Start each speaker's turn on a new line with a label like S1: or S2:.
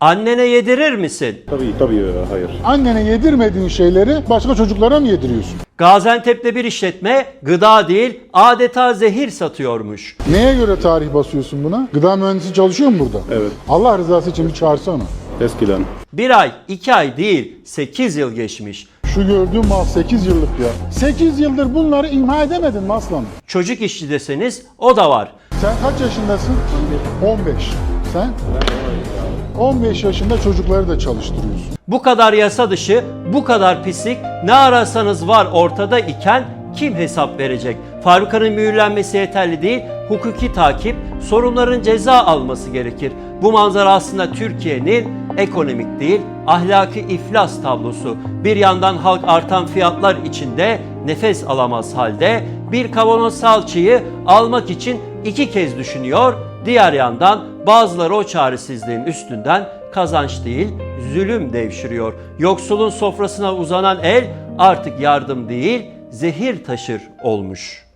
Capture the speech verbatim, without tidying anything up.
S1: Annene yedirir misin?
S2: Tabii tabii hayır.
S3: Annene yedirmediğin şeyleri başka çocuklara mı yediriyorsun?
S1: Gaziantep'te bir işletme gıda değil adeta zehir satıyormuş.
S3: Neye göre tarih basıyorsun buna? Gıda mühendisi çalışıyor mu burada?
S2: Evet.
S3: Allah rızası için bir çağırsana.
S2: Eskiden.
S1: Bir ay, iki ay değil, sekiz yıl geçmiş.
S3: Şu gördüğüm mal sekiz yıllık ya. sekiz yıldır bunları imha edemedin mi aslanım?
S1: Çocuk işçi deseniz o da var.
S3: Sen kaç yaşındasın? on beş. Sen? on beş yaşında çocukları da çalıştırıyorsun.
S1: Bu kadar yasa dışı, bu kadar pislik ne ararsanız var ortada iken kim hesap verecek? Fabrika'nın mühürlenmesi yeterli değil, hukuki takip, sorunların ceza alması gerekir. Bu manzara aslında Türkiye'nin ekonomik değil, ahlaki iflas tablosu. Bir yandan halk artan fiyatlar içinde nefes alamaz halde, bir kavanoz salçayı almak için iki kez düşünüyor. Diğer yandan bazıları o çaresizliğin üstünden kazanç değil, zulüm devşiriyor. Yoksulun sofrasına uzanan el artık yardım değil, zehir taşır olmuş.